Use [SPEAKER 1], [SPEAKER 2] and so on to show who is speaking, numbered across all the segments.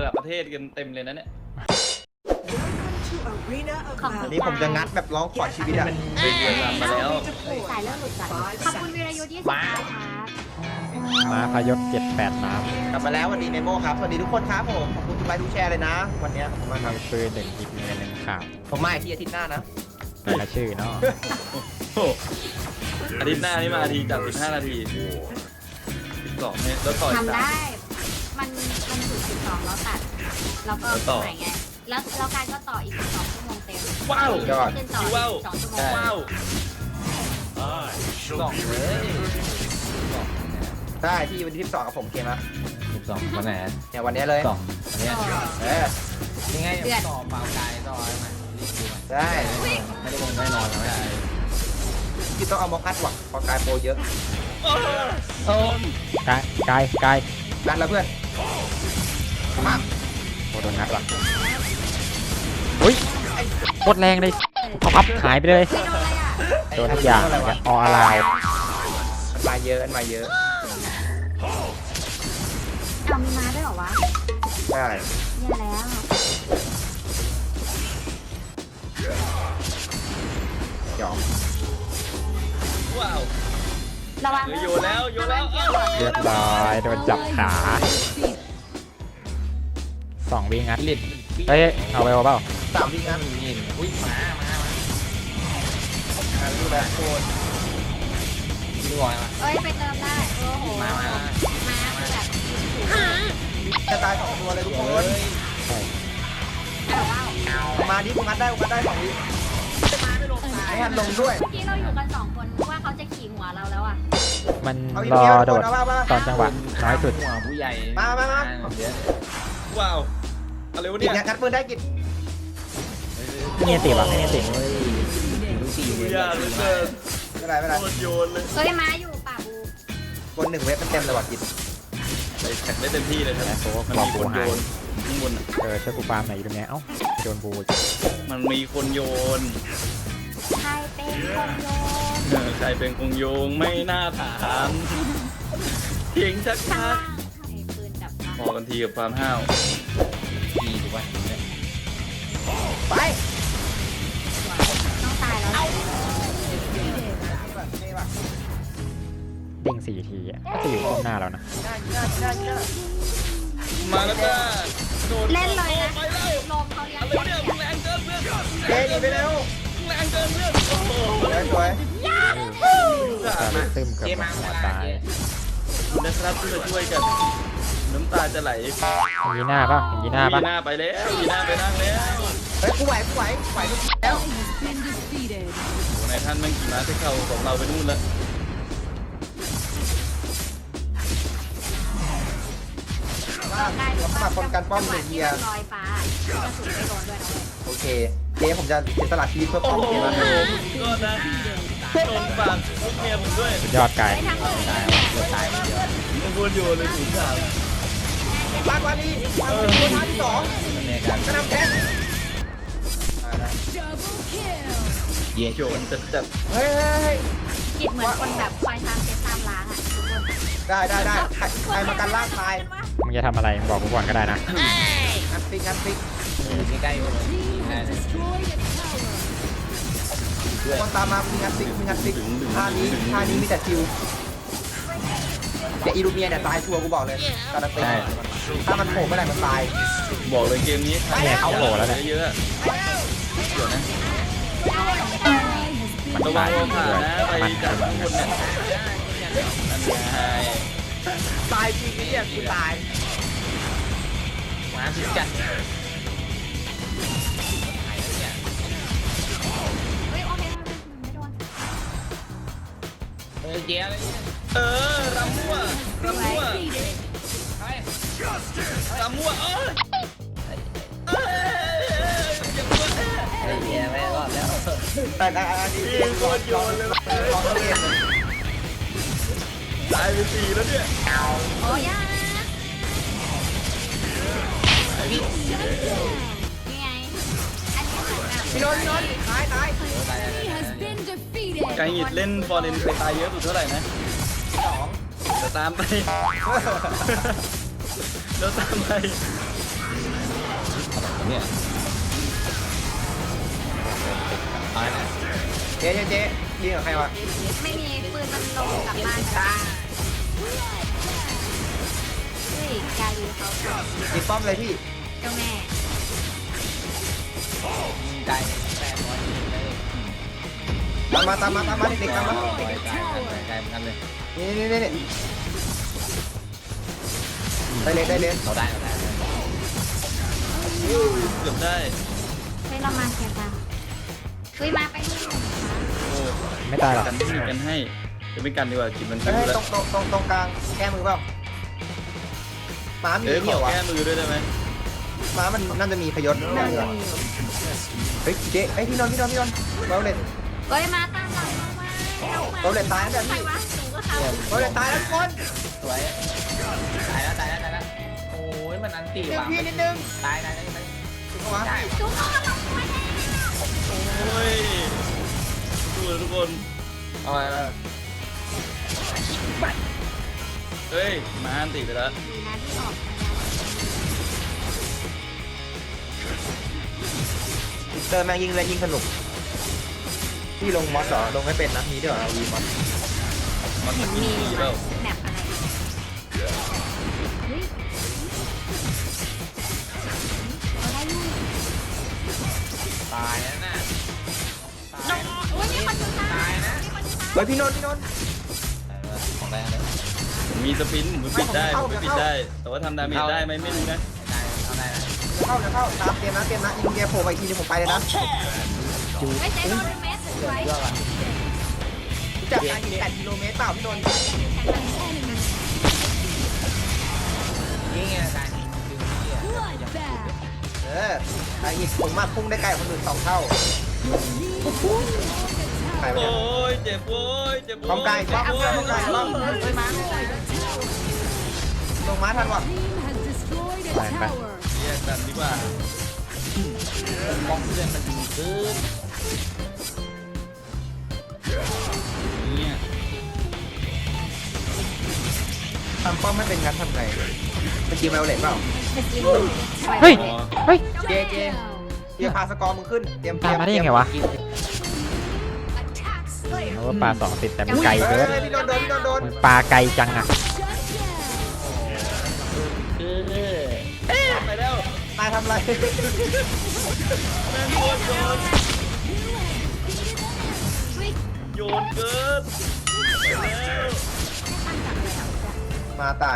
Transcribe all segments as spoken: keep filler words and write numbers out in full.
[SPEAKER 1] ดับประเทศกันเต็มเลยนะเนี่ย
[SPEAKER 2] ของ
[SPEAKER 3] อันนี้ผมจะงัดแบบร้องขอชีวิตอ่ะ
[SPEAKER 1] เป็นเดือนลำมาแล้ว
[SPEAKER 2] สายเลือดหลุดก่อนขอบคุณวีรยุทธ์ยี่สิบค่ะ
[SPEAKER 4] มาพยศเจ็ดแปดน้
[SPEAKER 3] กลับมาแล้วสวัสดีเมโมครับสวัสดีทุกคนครับผมขอบคุณทุกไลค์ทุกแชร์เลยนะ วันนี้ขอบคุณมากครับ
[SPEAKER 4] ำปืนหนึ่งอีกเมียหนึ่งข่าว
[SPEAKER 3] ผมมาอีกที่อาทิตย์หน้านะ
[SPEAKER 4] แต่ละชื่อเนาะ
[SPEAKER 1] โอ้โหอาทิตย์หน้านี่มาทีจากสิบห้านาทีสิบสองเนี่ยแล้วต่ออีก
[SPEAKER 2] ทำ
[SPEAKER 1] สาม
[SPEAKER 2] ได้ มันมันถึงสิบสองแล้วตัด แล้วก็
[SPEAKER 1] แล้วต่อ
[SPEAKER 2] ใหม่ไง แล้วแล้วการก็ต่ออีกสิบสองชั่วโมงเต็ม
[SPEAKER 1] ว้าว
[SPEAKER 3] ยอด
[SPEAKER 2] ขึ้นต่อ
[SPEAKER 1] ว้าว
[SPEAKER 2] สองชั่วโมง
[SPEAKER 1] ว้าว
[SPEAKER 5] สองเลย
[SPEAKER 3] ใช่ที่วันที่สิบสองกับผมเกมอะ
[SPEAKER 5] สิบสองวันไหน
[SPEAKER 3] เนี่ยวันนี้เลย
[SPEAKER 5] สองวันเนี้ย
[SPEAKER 3] เออ
[SPEAKER 5] ยังไงต่อเปล่ากายต่อใช่ไหมรีบดู
[SPEAKER 3] ใช่
[SPEAKER 5] ไม่ได้ลงได้นอนแล้วไม่ได้
[SPEAKER 3] ที่ต้องเอามอคัดหวังพอกายโปรเยอะ
[SPEAKER 1] โอ้
[SPEAKER 4] กายกายกาย
[SPEAKER 3] รัดแล้วเพื่อนมา
[SPEAKER 4] โคตรโดนนัดว่ะอุ้ยโคตรแรงเลยเอาพับหายไปเลย
[SPEAKER 2] ไม่โดนอะไรอ่ะ
[SPEAKER 4] โดนทุกอย่างเลยออลาว
[SPEAKER 3] มันมาเยอะมันมาเยอะ
[SPEAKER 2] เอามีมาด้วยเหรอวะ
[SPEAKER 3] ใช่
[SPEAKER 2] เนี่ยแล้ว
[SPEAKER 3] ยอม
[SPEAKER 1] ว้าว
[SPEAKER 2] ระวัง
[SPEAKER 1] เฮ้ยโยนแล้วโยนแล้ว
[SPEAKER 2] ระวังเกี่ยวก่อน
[SPEAKER 4] เรียบร้อยโดนจับขาสองวิ่งงัด
[SPEAKER 5] ลิด
[SPEAKER 4] เฮ้ยเอาไปเอาเปล่า
[SPEAKER 3] สามวิงัด
[SPEAKER 5] นี่อุ้ยมามามา
[SPEAKER 3] อ่าดูแลโคน
[SPEAKER 5] ดูบอยมา
[SPEAKER 2] เอ้ยไปเติมได้ โอ้โห
[SPEAKER 5] มามา
[SPEAKER 2] มาคือแบบ
[SPEAKER 3] จะตายสองตัวเลยทุกคน
[SPEAKER 2] แต่ว่า
[SPEAKER 3] มาดิผมงัดได้ผมงัดได้สองวิไม่ทันลงด้วย
[SPEAKER 2] เมื่อกี้เราอยู่กันสองคนว่าเขาจะขี่หัวเราแล้วอ่ะ
[SPEAKER 4] มัน
[SPEAKER 3] เอาอีก
[SPEAKER 4] รอ
[SPEAKER 3] เดียว
[SPEAKER 4] โดด
[SPEAKER 3] เอามามา
[SPEAKER 4] ตอนจังหวะน้อยสุด
[SPEAKER 5] หัวผู้ใหญ่
[SPEAKER 3] มามามา
[SPEAKER 5] เยอะ
[SPEAKER 1] ว้าวอะไรวะ
[SPEAKER 3] กิ
[SPEAKER 1] เนี่
[SPEAKER 3] น
[SPEAKER 1] ย
[SPEAKER 3] งัดปืนได้กิน
[SPEAKER 4] ไม่เนียนติวะไม่เนียนติ
[SPEAKER 5] เฮ้ยดูสีเลย
[SPEAKER 1] ยากเหลือเกิน
[SPEAKER 3] ไม่เป็นไรไม่เป็นไร
[SPEAKER 1] โคตรโยนเลย
[SPEAKER 2] เฮ้ยม้าอยู่ป่าบู
[SPEAKER 3] คนหนึ่งเว็บมันเต็มเลยว่ะกิน
[SPEAKER 1] ไปแข่งได้เต็มที่เลยครับ
[SPEAKER 4] แล้วโค้ก
[SPEAKER 1] มัน
[SPEAKER 4] บอก
[SPEAKER 1] มีค
[SPEAKER 4] กู
[SPEAKER 1] นโย
[SPEAKER 4] หาย
[SPEAKER 1] นข้างบนอะ
[SPEAKER 4] เออช่วยกูฟาร์มหน่อยอยู่ตรงเนี้ยเอ้าโดนบูอีก
[SPEAKER 1] มันมีคนโยน
[SPEAKER 2] ใครเป็นคนโยน
[SPEAKER 1] เออใครเป็นคงโยงไม่น่าถามเพียงชัก
[SPEAKER 2] ข้าง
[SPEAKER 1] ชัก
[SPEAKER 2] ล่างไอ้ปืนดับ
[SPEAKER 1] พอกันทีกับความห้าว
[SPEAKER 5] ดีถูกป่ะเนี่ย
[SPEAKER 3] ไป
[SPEAKER 2] ต้องตายแล้ว
[SPEAKER 3] นี่ว่ะ
[SPEAKER 4] เด้งสี่ทีอะก็จะอยู่ข้างหน้าแล้วนะ
[SPEAKER 3] ง่ายง่ายง่ายง่าย
[SPEAKER 1] มาแล้วจ้าโดด
[SPEAKER 2] เล่นเลยนะ
[SPEAKER 1] ไปแล้ว
[SPEAKER 2] ลมเขาเลี้ยง
[SPEAKER 1] อะไร
[SPEAKER 2] เสี
[SPEAKER 1] วะเนี่ย
[SPEAKER 2] ย
[SPEAKER 1] มึงแรงเกินเพื่อน
[SPEAKER 3] เจ๊หนีไปเร็ว
[SPEAKER 1] มึงแรงเกินเพื่อนโอ้โห
[SPEAKER 3] สวยสวย
[SPEAKER 4] ตาลึกตึมเกือบหมดหัวตาย
[SPEAKER 1] นะครับที่มาช่วยกัน น้ำตาจะไหล
[SPEAKER 4] อย่างนี้หน้าป่ะอย่างนี้หน้าป่ะ
[SPEAKER 1] ยีหน้าไปแล้วยีหน้าไปนั่งแล้ว
[SPEAKER 3] เฮ้ยกูไหวกูไหวไหวทุกแล้ว
[SPEAKER 1] โอ้โหนายท่านแม่งขี่ม้าไปเข้าของเราไปนู่นแล้ว
[SPEAKER 3] เราสมัครคนกันป้อมหนึ่งเฮีย
[SPEAKER 2] ลอยฟ้ากระสุนไม่โดนด้วยนะเว้ย
[SPEAKER 3] โอเคเจ๊ผมจะเสียสละชีวิตเพื่อ
[SPEAKER 1] โอ้
[SPEAKER 3] ป้อม
[SPEAKER 1] โห
[SPEAKER 3] เจ๊นะ
[SPEAKER 1] ก็นะโดนฝากลูกเมียผมด้วย
[SPEAKER 4] สุดยอดไกล
[SPEAKER 2] ไปทางอื่น
[SPEAKER 5] ตายเลือดตายเยอะ
[SPEAKER 1] ไม่ควรอยู่เลยถึงสาม
[SPEAKER 3] ลากวานีทำเป็นตัวท้าที่สอง
[SPEAKER 5] มันเนี่ยกัน
[SPEAKER 3] กระนำแทง
[SPEAKER 5] เย่
[SPEAKER 1] โยนจัดจัด
[SPEAKER 3] เฮ้ยเฮ้ยเฮ้ย
[SPEAKER 2] จิตเหมือนคนแบบคอยตามเช็ดตามล้างอ่ะทุกคน
[SPEAKER 3] ได้ได้ได้ใครใครมากันล่ากตาย
[SPEAKER 4] มึงจะทำอะไรมึงบอกกูก่อนก็ได้นะ
[SPEAKER 3] งัดฟิกงัดฟิก
[SPEAKER 5] ใกล้ๆเลยได้เลย
[SPEAKER 3] คนตามมามีงัดฟิกมีงัดฟิกท่านี้ท่านี้มีแต่คิวเดี๋ยวอีลูเมียเนี่ยตายชัวร์กูบอกเลยการันตีถ้ามันโผล่เมื่อไหร่มันตาย
[SPEAKER 1] บอกเลยเกมนี้
[SPEAKER 3] ไปแล้ว
[SPEAKER 4] เข้าโผล่แล้วเนี่ย
[SPEAKER 1] เยอะๆเดี๋ยวนะระวังโลผ่านะไปจากข้างบนเนี่ยนั่นไง
[SPEAKER 3] ตายจริงนี่อ่ะกูตาย
[SPEAKER 5] มาสิจัด
[SPEAKER 2] เฮ้ยโอเคไม่โดน
[SPEAKER 5] เออเจี๊ยบ
[SPEAKER 1] เออรำมั่วรำมั่วรำมั่วเออเอออย่ามั่ว
[SPEAKER 5] ไอ้เจี๊ยบไม่รอดแล้ว
[SPEAKER 3] แต่แต่อันนี้
[SPEAKER 1] ยิงโคตรโยนเลย
[SPEAKER 3] ลองเล่นเลย
[SPEAKER 1] ตายไปสี่แล้วเนี่ย
[SPEAKER 2] โอ้ยานี่ไงอันนี้เหมือนแบบ
[SPEAKER 3] พี่นนท์พี่นนท์ตายตาย
[SPEAKER 1] ไกหิดเล่นฟอร์เรนเคยตายเยอะสุดเท่าไหร่นะ
[SPEAKER 3] สอง
[SPEAKER 1] จะตามไป แล้วตามไป
[SPEAKER 5] เนี่ยเอาไหน
[SPEAKER 3] เจ๊เจ๊เจ๊ยิงกับใครวะ
[SPEAKER 2] ไม่มีปืนมันลงกลับบ้านจ้าเฮ้ยกาลีเขา
[SPEAKER 3] ยิงป้อมเลยพี่
[SPEAKER 2] เจ้าแม่
[SPEAKER 5] ไกลแปดร้อยเลย
[SPEAKER 3] ตามมาตามมาตามมาเด็กๆตามมา
[SPEAKER 5] ไกลไกลไกลเหมือนกันเลย
[SPEAKER 3] นี่นี่นี่นี่ได้เลยได้เลย
[SPEAKER 5] เราได้เราได้
[SPEAKER 1] เกือบได้
[SPEAKER 2] เฮ้ยเรามาเชียร์กันเฮ้ยมาไปนี่
[SPEAKER 1] โอ้
[SPEAKER 4] ไม่ตายหรอก
[SPEAKER 1] กันที่มีกันให้จะไม่กันดีกว่าจิตมัน
[SPEAKER 3] เฮ้
[SPEAKER 1] ฟิ
[SPEAKER 3] ยว
[SPEAKER 1] แล้
[SPEAKER 3] ตร
[SPEAKER 1] ว
[SPEAKER 3] งตรงตรงตรงกลางแก้มือเปล่าหมามี
[SPEAKER 1] เอ้ยข
[SPEAKER 3] เหนี
[SPEAKER 1] อ
[SPEAKER 3] ยวอ่ะ
[SPEAKER 1] แก้มือด้วยได้ไหม
[SPEAKER 3] หมามันน่าจะมีพยศแน่เลยเฮ้ยเจ๊เฮ้ยพี่นนท์พี่นนท์พี่นนท์เบลเลต
[SPEAKER 2] เฮ้ยมาตามเรามา
[SPEAKER 3] เบลเลตตายแล้ว
[SPEAKER 2] ใคร
[SPEAKER 3] พี่
[SPEAKER 2] วะหนูก็เขา
[SPEAKER 3] เบลเลตตายแล้วทุกคน
[SPEAKER 5] สวยตายแล้วตายแล้วตายแล้วโอ้ยมันอันตี
[SPEAKER 3] เดี๋ยว
[SPEAKER 5] ว่ะ
[SPEAKER 3] พี่นิดนึง
[SPEAKER 5] ตายตายตายตาย
[SPEAKER 3] ถูกปะวะ
[SPEAKER 2] จุ๊บเขาเราไปแล้ว
[SPEAKER 1] โอ้ยดูเลยทุกคน
[SPEAKER 5] เอาไป
[SPEAKER 1] เฮ้ยมาอันติไปแล้ว
[SPEAKER 2] ดีนะที่ออก
[SPEAKER 3] เจอแม่งยิงเลยยิงสนุกพี่ลงมอสเหรอลงไม่เป็นนะมีด้วยเหรอวีมอส
[SPEAKER 1] มัน
[SPEAKER 2] เห็
[SPEAKER 1] มัน น
[SPEAKER 2] มี
[SPEAKER 1] มีเปล่า
[SPEAKER 2] แมปอะไรเฮ้ยเอาได้อยู่
[SPEAKER 5] ตายแล้วน่ะ
[SPEAKER 2] โอ้ยนี่คนอยู่ตายนะ
[SPEAKER 3] เฮ้ยพี่นนท์พี่นนท์
[SPEAKER 5] ของแรงเลย
[SPEAKER 1] ผมมีสปินผมปิดได้ผมปิดได้ แต่ว่าทำดาเมจได้ไหมไม่รู้นะ
[SPEAKER 5] ได้เอาได้นะ
[SPEAKER 3] เข้าจะเข้าตามเกมนะเกมนะยิงเกมโผล่ไปอีกทีนึงผมไปเลยนะ
[SPEAKER 2] ไม่ใช่โดนเมสสวย
[SPEAKER 5] เยอะว่ะ
[SPEAKER 3] จากการยิงแปดกิโลเมตรเปล่าพี่นนท์
[SPEAKER 5] นี่ไงการยิงดึงนี่อ่ะ
[SPEAKER 3] เออไอ้อีกผมมาพุ่งได้ไกลกว่าคนอื่นสองเท่าใครไป
[SPEAKER 1] โอ้
[SPEAKER 3] เนี่ย
[SPEAKER 1] ยเจ็บโว้ยเจ็บโว้ย
[SPEAKER 3] ความไกลความไกลความไกลความ
[SPEAKER 2] เฮ้ยมาไม่ได้
[SPEAKER 3] ลงมาทันวะ
[SPEAKER 4] แรงไป
[SPEAKER 1] แยกกันดีกว่า
[SPEAKER 5] ป้องเพื่อนมันดีขึ้น
[SPEAKER 1] เนี่ย
[SPEAKER 3] ทำป้อมไม่เป็นงั้นทำไงเป็นจีเมลเล็ตเปล่า
[SPEAKER 2] จะกิน
[SPEAKER 4] เฮ้ย เฮ้ย
[SPEAKER 3] เจเจเดี๋ยวพาสกอร์มึงขึ้นเตรียมเต
[SPEAKER 4] ตา
[SPEAKER 3] รี
[SPEAKER 4] ม
[SPEAKER 3] ยม
[SPEAKER 4] มาได้ยังไงวะเพราะว่าปลาสองติดแต่มันไกล
[SPEAKER 3] เฮ้
[SPEAKER 4] เกิน
[SPEAKER 3] ยพี่โดนโดนพี่โดนโดน
[SPEAKER 4] มันปลาไกลจังอะ
[SPEAKER 5] คือ
[SPEAKER 1] ไปแล้ว
[SPEAKER 3] นายทำอะไร
[SPEAKER 1] แม่งโยนโยนโยนเกินไปแล้ว
[SPEAKER 3] มาตาย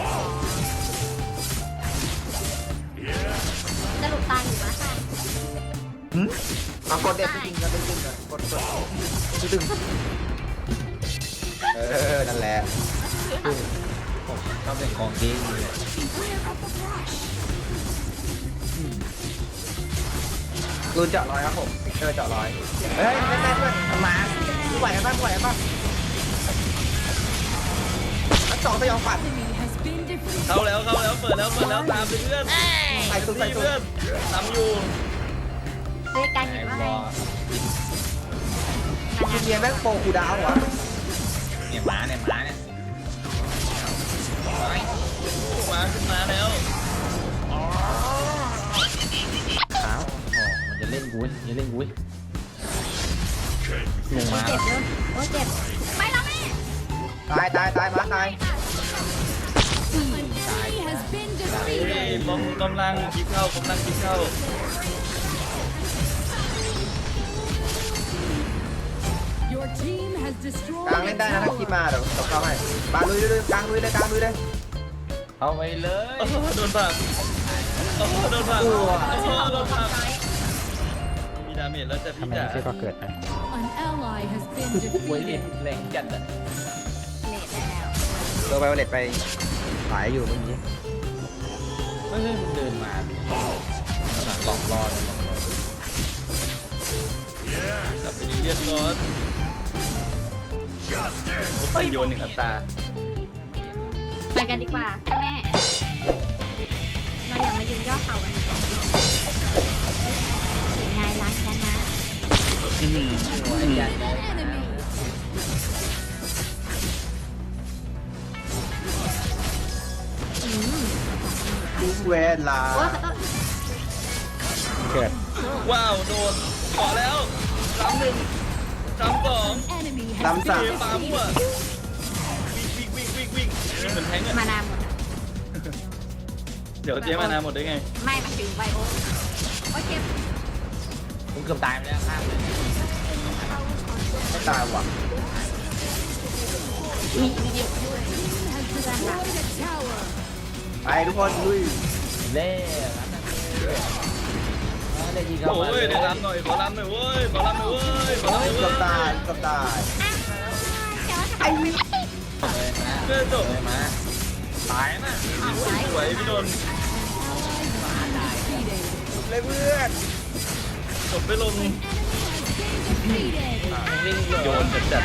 [SPEAKER 2] สรุปตายอยู่นะค่ะ
[SPEAKER 3] หืมมากดเด็ดจริงๆนะเป็นจริงๆนะกดกดตึงเออนั่นแหละ
[SPEAKER 5] ชอบเล่นของจริงเลย
[SPEAKER 3] รูนเจาะร้อยครับผมเจอเจาะร้อยเฮ้ยเล่นได้ด้วยมาไหวกันบ้างไหวกันบ้างอันสองสยองฝัน
[SPEAKER 1] เข้าแล้วเข้าแล้วเปิดแล้วเปิดแล้วตามไปเพื่อน
[SPEAKER 3] ใส่สุดใส่
[SPEAKER 1] นี่
[SPEAKER 3] สุด
[SPEAKER 1] เพื่อนทำอยู่
[SPEAKER 2] เฮ้ยการ
[SPEAKER 5] ไอ้
[SPEAKER 2] เห็นว่า
[SPEAKER 5] บ
[SPEAKER 2] ไง
[SPEAKER 5] อ
[SPEAKER 3] คุณเมียแม่งโปรคูดาวเหรอ
[SPEAKER 5] เนี่ยหมาเนี่ยหมาเนี่ย
[SPEAKER 1] มาขึ้นมาแล้ว
[SPEAKER 5] ขาวโอ้มันจะเล่นกุ้ยจะเล่นกุ้ยลงมา
[SPEAKER 2] เจ็บเลยโอ้เจ็บไม่แล้วแม่
[SPEAKER 3] ตายตายตายมาตาย
[SPEAKER 1] เฮ้ยบอมกำลังคิดเข้ากำลังคิดเข้าก
[SPEAKER 3] ลางเล่นได้นะถ้าคิดมาเดี๋ยวตบเข้าให้ปาลุยเลยกลางลุยเลยกลางลุยเลย
[SPEAKER 5] เอาไปเลย
[SPEAKER 1] โอ้โหโดนผักโอ้โหโดนผักโอ้โหโดนผักมีดาเมจแล้วจะ
[SPEAKER 4] ทำ
[SPEAKER 1] พี่
[SPEAKER 4] ไม
[SPEAKER 1] จ๋า
[SPEAKER 4] ไม่ใช่ก็เกิดไป
[SPEAKER 5] กุ้ยเล่นแรงจัดอ่ะ
[SPEAKER 2] เลดแล้ว
[SPEAKER 3] ตัวไวโอเลตไปหายอยู่เมื่อกี้
[SPEAKER 5] ไม่ใช่มันเดินมาขนาดหลอกล่อเลย
[SPEAKER 1] กลับไปดีเลียดก่อนโอ้ยโยนหนึ่งอัตรา
[SPEAKER 2] ไปกันดีกว่าเจ้าแม่เราอย่ามายืนย่อเข่ากันดีกว่าถึงไงรักกันนะ
[SPEAKER 1] อื้อหือ
[SPEAKER 5] หัวยันเลย
[SPEAKER 2] อืม
[SPEAKER 3] ทุกเวลา
[SPEAKER 2] โอ้ยขอโทษ
[SPEAKER 4] เกิด
[SPEAKER 1] ว้าวโดนขอแล้วสามหนึ่งสามสอง
[SPEAKER 3] ลำสาม
[SPEAKER 1] เตะปามั่ววิ่งวิ่งวิ่งวิ่งวิ่งวิ่งเหมือนแทงอะ
[SPEAKER 2] มานานหมดอะ
[SPEAKER 1] เดี๋ยวเจ๊มานาหมดได้ไง
[SPEAKER 2] ไม่มาถึงไบโอโอเค
[SPEAKER 5] ผมเกือบตายไปแล้วข้ามเลย
[SPEAKER 3] ไม่ตายว่ะ
[SPEAKER 2] มีมีเดียวด้วยเพื่อนค่ะ
[SPEAKER 3] ไปทุกคนลุย
[SPEAKER 5] เล่ร้านนั้นได้ยิงเข้า
[SPEAKER 1] โอ้
[SPEAKER 5] มาย
[SPEAKER 1] ได้รับหน่อยขอรับหน่อยเว้ยขอรับหน่อยเว้ยขอรับหน่อย
[SPEAKER 3] เกื
[SPEAKER 1] เว้
[SPEAKER 3] อบ
[SPEAKER 1] ย
[SPEAKER 3] ตายเกือบตาย
[SPEAKER 2] ไอ้วิ
[SPEAKER 5] เลยนะ
[SPEAKER 1] เพื่อนจบ
[SPEAKER 5] เลยมา
[SPEAKER 1] ตายนะสวยพี่โดน
[SPEAKER 3] เลยเพื่อน
[SPEAKER 1] จบไปลง
[SPEAKER 5] วิ่ง
[SPEAKER 1] โยนจัดจัด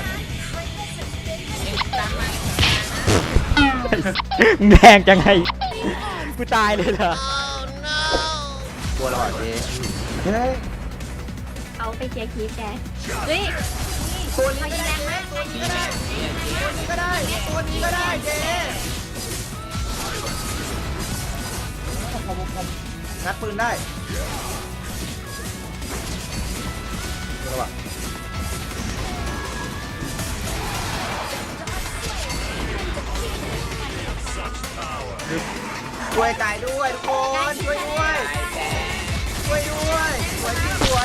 [SPEAKER 4] มึงแดงจังไงกูตายเลยเหรอ
[SPEAKER 3] ตัวเราอ่ะเจ๊เฮ้ย
[SPEAKER 2] เขาไปเคลียร์คีฟแกเฮ้ย
[SPEAKER 3] ตัวนี้
[SPEAKER 2] เขา
[SPEAKER 3] ก็
[SPEAKER 2] ยิง
[SPEAKER 3] ได้
[SPEAKER 2] แรงมาก
[SPEAKER 3] ตัวนี้ก็ได้ตัวนี้ก็ได้ตัวนี้ก็ได้เจ๊ผมผมผมงัดปืนได้ตัวเราอ่ะช่วยตายด้วยทุกคนช่วยด้วยช่วยด้วยสวยที่สวย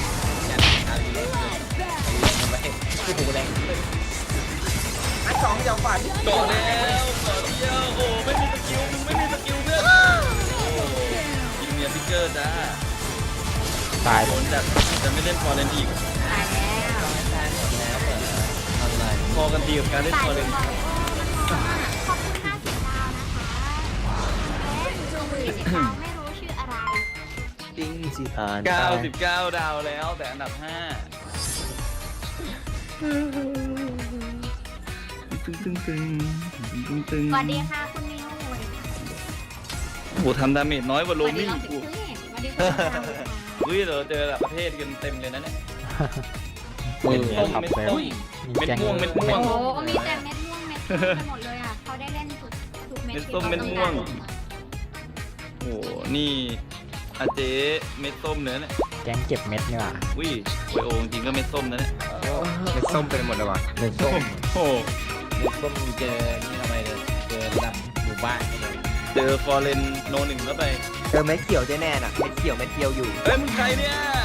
[SPEAKER 5] ทำไมโอ้โหแรง
[SPEAKER 3] อันสองอย่างฝัน
[SPEAKER 1] โดนแล้วต่อเดียวโอ้ไม่มีสกิลมึงไม่มีสกิลเพื่อนโอ้ยิงเมียพิกเกอร์จ้า
[SPEAKER 4] ตาย
[SPEAKER 1] โดนจัดจะไม่เล่นฟอร์เรนอีก
[SPEAKER 2] ตายแล้ว
[SPEAKER 5] ตายหมดแล้วเหรอทำไร
[SPEAKER 1] พอกันดีกับการเล่น
[SPEAKER 2] ตาย
[SPEAKER 1] ฟอร์
[SPEAKER 2] เล
[SPEAKER 1] เร
[SPEAKER 2] ย
[SPEAKER 1] น
[SPEAKER 2] ขอบคุณห้าสิบดาวนะคะและสี่สิบดาวไม่รู้ชื่ออะไร
[SPEAKER 3] จริงสิผ่าน
[SPEAKER 1] เก้าสิบเก้าดาวแล้วแต่อันดับห้าตึงตึงตึงตึงตึง
[SPEAKER 2] สวัสดีค่ะคุณนิว
[SPEAKER 1] โอ้โหทำดาเมจน้อยกว่า
[SPEAKER 2] ส
[SPEAKER 1] โร
[SPEAKER 2] วัสดี
[SPEAKER 1] มิ่ง
[SPEAKER 2] น้องสิ
[SPEAKER 1] กู
[SPEAKER 2] งห์สวัสดีคุณ
[SPEAKER 1] เฮ้ยเราเจอแบบประเทศกันเต็มเลยนะเนี่ย
[SPEAKER 4] เม็ด
[SPEAKER 1] ต้ม
[SPEAKER 4] ขับ
[SPEAKER 1] เม็ด
[SPEAKER 4] เลย
[SPEAKER 1] ต้ม เม็ดม่วงเม็ดม่วง
[SPEAKER 2] โอ้โหมีแต่เม็ดม่วงเม็ดม่วงไปหมดเลยอ่ะเขาได้เล่นทุกทุกเม็ด
[SPEAKER 1] เม็ดส้มเม็ดม่วง โอ้โหนี่อาเจ๊เม็ดส้มเนื้อเนี่ย
[SPEAKER 4] แก๊งเก็บเม็ดนี่หว่า
[SPEAKER 1] วิโวยโอจริงๆก็เม็ดส้มนะเนี่ย
[SPEAKER 3] เม็ดส้มเป็นหมดเลยว่ะ
[SPEAKER 5] เดินส้ม
[SPEAKER 1] โอ้โห
[SPEAKER 5] เดินส้มเจอนี่ทำไมเลยเจอระดับหมู่บ้านเลย
[SPEAKER 1] เจอฟอร์เรนโนหนึ่งเข้าไป
[SPEAKER 3] เจอเม็ดเขียวเจ๊แน่น่ะเม็ดเขียวเม็ดเขียวอยู่
[SPEAKER 1] เอ้ยมึงใครเนี่ย